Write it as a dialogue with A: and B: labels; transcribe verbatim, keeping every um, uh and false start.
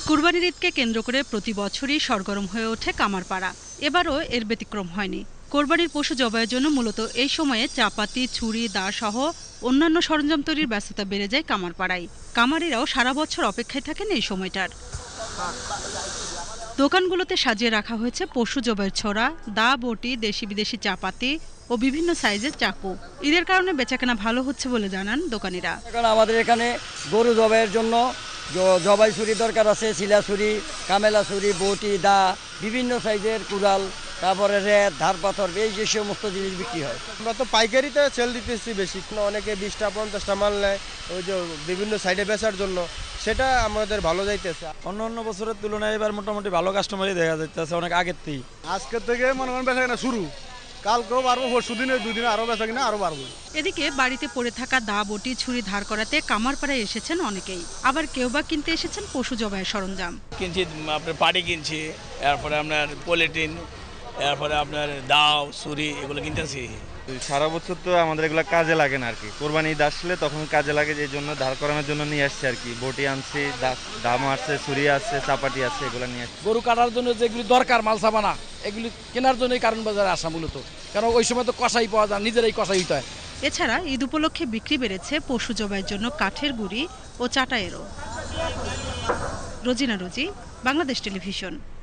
A: কুরবানির ঈদকে কেন্দ্র করে প্রতি বছরই সরগরম হয়ে ওঠে কামারপাড়া। এবারও এর ব্যতিক্রম হয়নি। কোরবানির পশু জবাইয়ের জন্য মূলত এই সময়ে চাপাতি, ছুরি, দা সহ অন্যান্য সরঞ্জাম তৈরির ব্যস্ততা বেড়ে যায় কামারপাড়ায়। কামারিরাও সারা বছর অপেক্ষায় থাকেন এই সময়টার। দোকানগুলোতে সাজিয়ে রাখা হয়েছে পশু জবাইয়ের ছোড়া, দা, বটি, দেশি বিদেশি চাপাতি ও বিভিন্ন সাইজের চাকু। ঈদের কারণে বেচাকেনা ভালো হচ্ছে বলে জানান দোকানিরা।
B: এখন আমাদের এখানে গরু জবাইয়ের জন্য জবাই ছুরি দরকার আছে, শিলা ছুরি, কামেলা ছুরি, বটি, দা, বিভিন্ন সাইজের কুড়াল, তারপরে রেত, ধার পাথর, এই যে সমস্ত জিনিস বিক্রি হয়।
C: আমরা তো পাইকারিতে সেল দিতেছি বেশি, অনেকে বিশটা পঞ্চাশটা মাল নেয় ওই যে বিভিন্ন সাইডে বেচার জন্য, সেটা আমাদের ভালো যাইতেছে।
D: অন্য অন্য বছরের তুলনায় এবার মোটামুটি ভালো কাস্টমারই দেখা যাইতেছে অনেক আগের থেকে।
C: আজকের থেকে মনে করেন বেচা কিনা শুরু, কালকেও পারবো, পরশু দিনে দুই দিনে আরো বেচা কিনা আরো পারবো।
A: এদিকে বাড়িতে পড়ে থাকা দা, বটি, ছুরি ধার করাতে কামারপাড়ায় এসেছেন অনেকেই। আবার কেউ বা কিনতে এসেছেন পশু জবাইয়ের সরঞ্জাম।
E: কিনছি আপনার পাটি কিনছি, এরপরে আপনার পলিটিন, এরপরে আপনার দাও, ছুরি, এগুলো কিনতেছি।
F: সারা বছর তো আমাদের এগুলো কাজে লাগে না আর কি, কোরবানি ঈদ আসলে তখন কাজে লাগে, এই জন্য ধার করানোর জন্য নিয়ে আসছি আর কি। বটি আনছি, দাম আছে, ছুরি আছে, চাপাটি আছে, এগুলো নিয়ে আসছি।
G: গরু কাটার জন্য যেগুলি দরকার মাল সাবানা, এগুলি কেনার জন্যই কারণ বাজারে আসা মূলত, কারণ ওই সময় তো কষাই পাওয়া যায়, নিজেরাই কষাই হইতে হয়।
A: এছাড়া ঈদ উপলক্ষে বিক্রি বেড়েছে পশু জবাইয়ের জন্য কাঠের গুঁড়ি ও চাটায়েরও। রোজিনা রোজি, বাংলাদেশ টেলিভিশন।